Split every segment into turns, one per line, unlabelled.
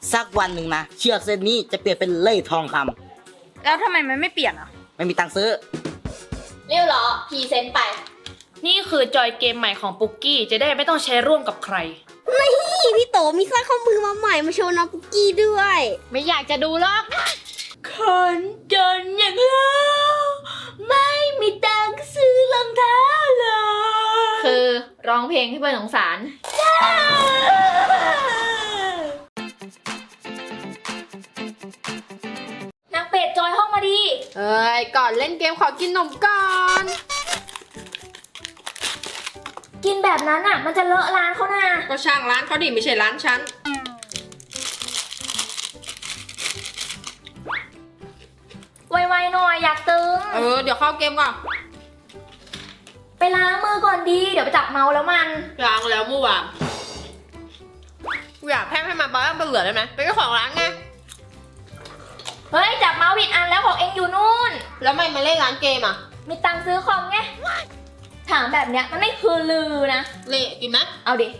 สักวันหนึ่งนะเชือกเส้นนี้จะเปลี่ยนเป็นเล่ทองคำ
แล้วทำไมมันไม่เปลี่ยนอ่ะ
ไม่มีตังค์ซื้อ
เรียวเหรอพรีเซนต์ไป
นี่คือจอยเกมใหม่ของปุกกี้จะได้ไม่ต้องใช้ร่วมกับใคร
นี่พี่โตมีสร้อยข้อมือมาใหม่มาโชว์น้องปุกกี้ด้วย
ไม่อยากจะดูหรอก
คนจนอย่างเราไม่มีตังค์ซื้อรองเท้าเลย
คือร้องเพลงให้เพื่อนสงสารนางเป็ดจอยห้องมาดี
เอ้ยก่อนเล่นเกมขอกินนมก่อน
กินแบบนั้นอ่ะมันจะเลอะร้านเขานะ
ก็ช่างร้านเขาดิไม่ใช่ร้านฉัน
ไวๆหน่อยอยากตึง
เดี๋ยวเข้าเกมก่อน
ไปล้างมือก่อนดีเดี๋ยวไปจับเมาแล้วมัน
ล้างแล้วเมื่อวานอยากแพงให้มาบ้างเป็นเหลือได้ไหมเป็นเจ้าของร้านไง
เฮ้ยจับเมาส์ผิดอันแล้วของเองอยู่นู่น
แล้วไม่มาเล่นร้านเกมอ่ะ
มีตังค์ซื้อคอมไงถามแบบเนี้ยมันไม่คือลือนะ
เละกินไหม
เอาดิ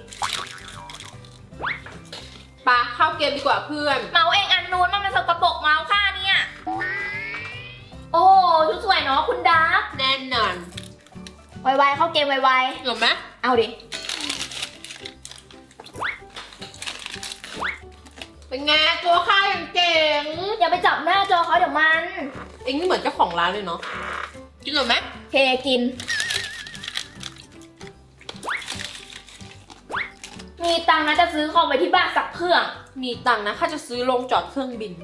ปาเข้าเกมดีกว่าเพื่อน
เมาส์เองอันนู้นมันสกปรกเมาส์ค่าเนี่ยโอ้ชุดสวยเนาะคุณดาร์ก
แน่นอน
ไวๆเข้าเกมไว
ๆเหรอไหม
เอาดิ
เป็นไงตัวข้าอย่างเก่ง
อย่าไปจับหน้าจอเขาเดี๋ยวมัน
เอ็งนี่เหมือนเจ้าของร้านเลยเนาะกินหรอไหม
เคกินมีตังค์นะจะซื้อคอมไปที่บ้านสักเครื่อง
มีตังค์นะข้าจะซื้อโรงจอดเครื่องบิน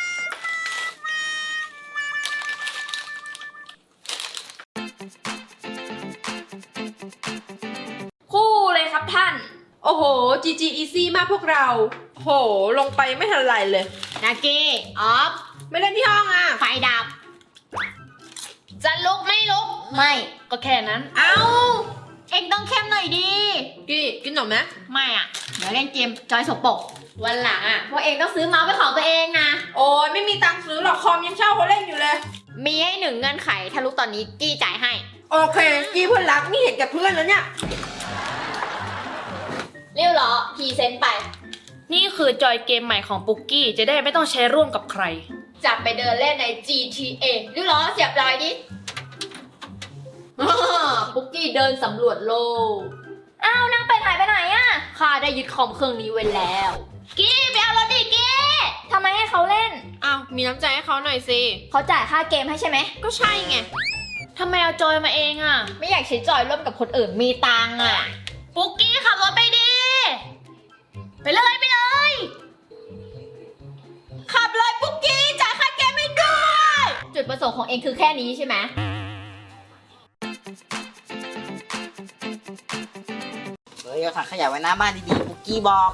คู่เลยครับท่าน
โอ้โห GG Easy มากพวกเราโหลงไปไม่ทันไรเลย
นาเกออฟ
ไม่เล่นที่ห้องอ่ะ
ไฟดับจะลุกไม่ลุก
ไม่ก็แค่นั้น
เอาเอ็งต้องเข้มหน่อยดี
กี้กินหนมไหม
ไม่อ่ะเดี๋ยวเล่นเกมจอยสกปรกวันหลังอ่ะพวกเอ็งต้องซื้อเมาส์เป็นของตัวเองนะ
โอ้ยไม่มีตังค์ซื้อหรอกคอมยังเช่าเขาเล่นอยู่เลย
มีให้1เงื่อนไขถ้าลุกตอนนี้กี้จ่ายให้
โอเคกี้เพื่อนรักนี่เห็นกับเพื่อนแล้วเนี่ย
เรียวเหรอพรีเซนต์ไป
นี่คือจอยเกมใหม่ของปุกกี้จะได้ไม่ต้องใช้ร่วมกับใคร
จับไปเดินเล่นใน GTA เรียวเหรอเสียบรอยดิปุกกี้เดินสำรวจโลกอ้าวนั่งไปหายไปไหนอะข้าได้ยึดคอมเครื่องนี้ไว้แล้วกี้ไปเอารถดิกี้ทำไมให้เขาเล่น
อ้าวมีน้ำใจให้เขาหน่อยสิ
เขาจ่ายค่าเกมให้ใช่ไหม
ก็ใช่ไง
ทำไมเอาจอยมาเองอ่ะ
ไม่อยากใช้จอยร่วมกับคนอื่นมีตังค์อ่ะ
ปุกกี้ขับรถไปดิไปเลยไปเลย
ขับเลยปุกกี้จ่ายค่าเกมไม่ด้วย
จุดประสงค์ของเองคือแค่นี้ใช่ไหม
เอาถังขยะไว้หน้าบ้านดีๆปุกกี้บอก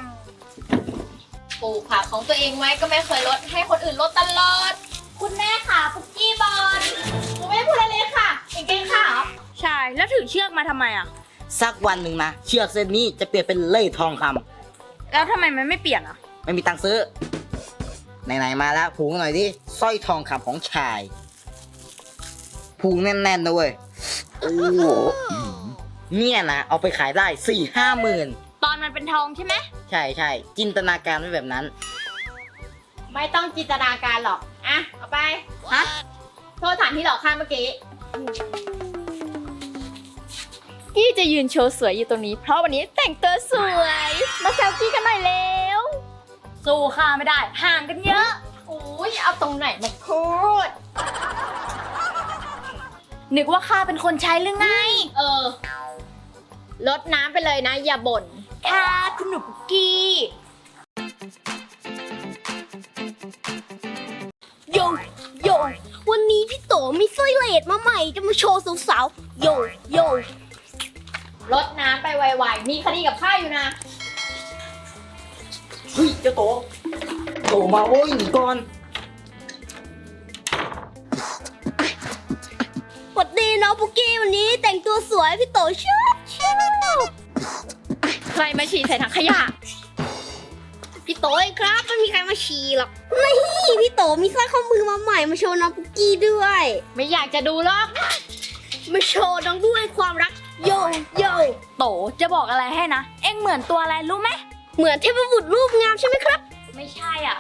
ปลูกผักของตัวเองไว้ก็ไม่เคยลดให้คนอื่นลดตลอดคุณแม่ค่ะปุกกี้บอลผมไม่ได้พูดอะไรเลยค่ะเก่งๆค่ะ
ใช่แล้วถือเชือกมาทำไมอ่ะ
สักวันหนึ่งนะเชือกเส้นนี้จะเปลี่ยนเป็นเล่ทองคำ
แล้วทำไมมันไม่เปลี่ยนอ่ะ
ไม่มีตังค์ซื้อไหนๆมาแล้วผูกหน่อยดิสร้อยทองคำของชายผูกแน่นๆด้วยโอ้เนี่ยนะเอาไปขายได้ 4-5 หมื่น
ตอนมันเป็นทองใช่ไหม
ใช่จินตนาการไว้แบบนั้น
ไม่ต้องจินตนาการหรอกอ่ะเอาไปฮะโทษฐานที่หลอกข้าเมื่อกี้กี้จะยืนโชว์สวยอยู่ตรงนี้เพราะวันนี้แต่งตัวสวยมาแซวกี้กันหน่อยเร็ว
สู้ข้าไม่ได้ห่างกันเยอะ
โอ้ยเอาตรงไหนมาพูด
นึกว่าข้าเป็นคนใช้หรือไง
ลดน้ำไปเลยนะอย่าบ่น
ค่ะคุณหนูปุกกี้
โยวันนี้พี่โตมีสร้อยเลดมาใหม่จะมาโชว์สาวๆโย
ลดน้ำไปไวๆมีคดีกับข้าอยู่นะ
เฮ้ยเจ้าโตมาโอ้ยหนีก่อน
สวัสดีน้องปุกกี้วันนี้แต่งตัวสวยพี่โตชอบ
ใครมาฉี่ใส่ถังขยะ
พี่โตเองครับไม่มีใครมาฉี่หรอกนี่พี่โตมีสร้อยข้อมือมาใหม่มาโชว์น้องปุกกี้ด้วย
ไม่อยากจะดูหรอก
มาโชว์น้องด้วยความรักโย
โตจะบอกอะไรให้นะเอ็งเหมือนตัวอะไรรู้ไหม
เหมือนเทพบุตรรูปงามใช่ไหมครับ
ไม่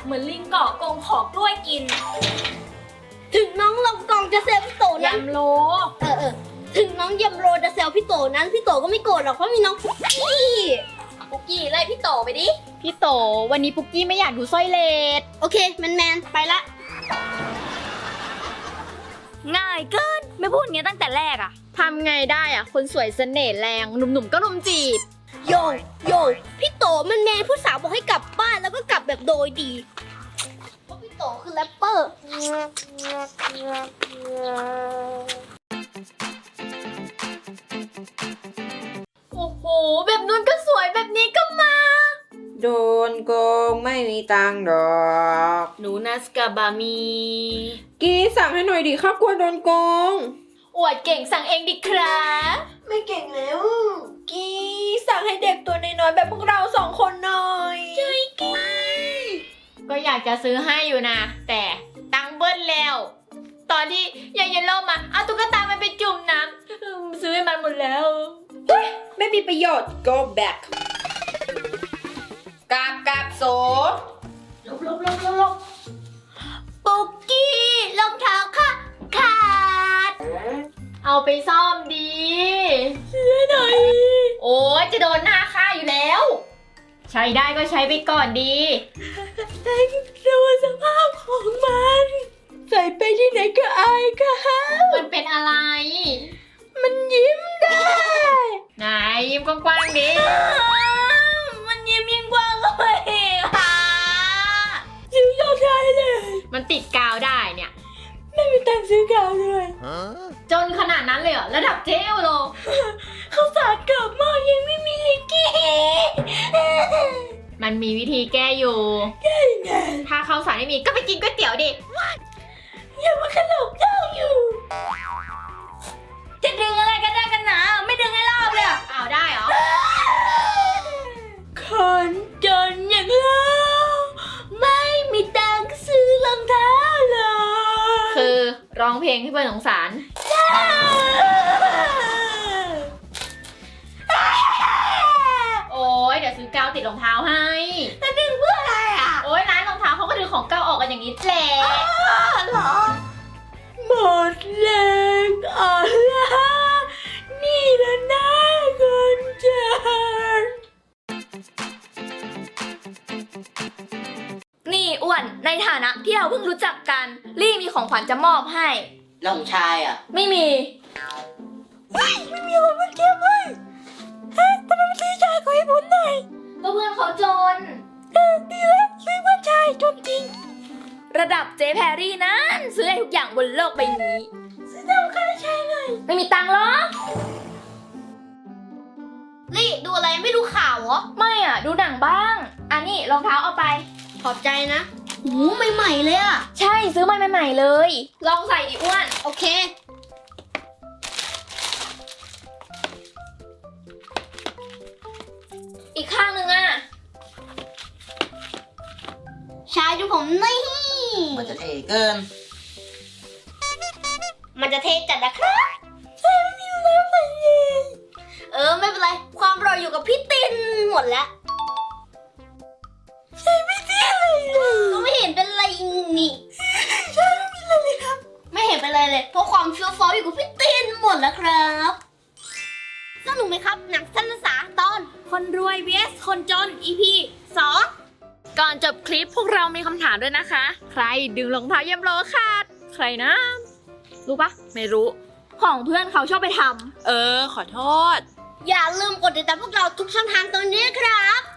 เหมือนลิงเกาะกรงขอกล้วยกิน
ถึงน้องลองกองจะแซวพี่โตนั้น
ยำโล
ถึงน้องยำโรจะแซวพี่โตนั้นพี่โตก็ไม่โกรธหรอกเพราะมีน้องปุ๊กกี้
ปุกกี้ไล่พี่โตไปดิ พี่โตวันนี้ปุกกี้ไม่อยากดูสร้อยเลด
โอเคแมนไปละ
ง่ายเกิน ไม่พูดอย่างนี้ตั้งแต่แรกอะทำไงได้อะคนสวยเสน่ห์แรงหนุ่มๆก็รุมจีบ
โยพี่โตมันแมนผู้สาวบอกให้กลับบ้านแล้วก็กลับแบบโดยดีเพราะพี่โตคือแรปเปอร์
โอ้โห แบบนู้นก็สวยแบบนี้ก็มา
โดนโกงไม่มีตังค์ดอก
หนูนัสกาบามี
กี้สั่งให้หน่อยดิครับกลัวโดนโกง
อวดเก่งสั่งเองดิครับ
ไม่เก่งแล้ว
กี้สั่งให้เด็กตัวน้อยๆแบบพวกเราสองคนหน่อย
ก็อยากจะซื้อให้อยู่นะ แต่ตังค์เบิ้ลแล้ว ตอนที่ยายเยลโล่มาเอาตุ๊กตามันไปจุ่มน้ำซื้อให้มันหมดแล้ว
ไม่มีประโยชน์ go back กราบโส
ลบปุกกี้รองเท้าค่ะขาด เอาไปซ่อมดีเสียหน่อย โอ้ยจะโดนหน้าค่าอยู่แล้ว ใช้ได้ก็ใช้ไปก่อนดีดูสภาพของมัน ใส่ไปที่ไหนก็อายค่ะมันเป็นอะไร มันยิ้มได้ ไหนยิ้มกว้างๆดิมันยิ้มยิ่งกว้างเลยค่ะยิ้มยอดได้เลย มันติดกาวได้เนี่ย ไม่มีตังค์ซื้อกาวด้วยจนขนาดนั้นเลยเหรอ ระดับเจลโล เขาสาดกลับมากยังไม่มีลิกี้มันมีวิธีแก้อยู่ แก้ยังไง ถ้าเขาสารไม่มีก็ไปกินก๋วยเตี๋ยวดิ อย่ามาขลบเจ้าอยู่ จะดึงอะไรกันได้กันหนาไม่ดึงให้รอบเลยอ้าวได้เหรอ คนจนอย่างเราไม่มีตังค์ซื้อรองเท้าเลยคือร้องเพลงให้เพื่อนสงสาร โอ้ยเดี๋ยวซื้อกาวติดรองเท้าให้จะดึงเพื่ออะไรอ่ะ โอ้ยร้านรองเท้าเขาก็ดึงของเก่าออกกันอย่างนี้แหละหรอ หมดแรงอ่อนล้านี่แหละนะคนจนนี่อ้วนในฐานะที่เราเพิ่งรู้จักกันลี่มีของขวัญจะมอบให้
แล้วของชายอ่ะ
ไม่มีไม่มีของมันเทียบเลยทำไมไม่ซื้อชายของให้ผมหน่อยก็เพื่อนเขาจนดีแล้วซื้อเพื่อนชายจนจริง ระดับเจ๊แพรรี่นั้นซื้อได้ทุกอย่างบนโลกใบนี้ซื้อได้ค่าใช้ไงไม่มีตังค์หรอ
ลี่ดูอะไรไม่ดูข่าวเหรอ
ไม่อ่ะดูหนังบ้างอันนี้รองเท้าเอาไป
ขอบใจนะหูใหม่ๆเลยอะ
ใช่ซื้อมาใหม่ๆเลย ลองใส่ดิอ้วน
โอเค
อีกข้างหนึ่งอ่ะ
ชายดูผมนี่
มันจะเท่เกิน
มันจะเทจัดนะครับใช่ไม่มีแล้วใส่เองไม่เป็นไร ความรออยู่กับพี่ตินหมดแล้วใช่ไม่เท่เลยก็ไม่เห็นเป็นไรนี่ใช่ไม่มีอะไรเลยครับ ไม่เห็นเป็นไรเลย เพราะความเฟี้ยวฟ้าวอยู่กับพี่ตินหมดแล้วครับสนุกไหมครับ หนังสั้นภาษาตอนคนรวย vs คนจน EP 2
ก่อนจบคลิปพวกเรามีคำถามด้วยนะคะ ใครดึงรองเท้าเยี่ยมโลขาด ใครนะ รู้ปะไม่รู้ ของเพื่อนเขาชอบไปทำ
ขอโทษ
อย่าลืมกดติดตามพวกเราทุกช่องทางตรงนี้ครับ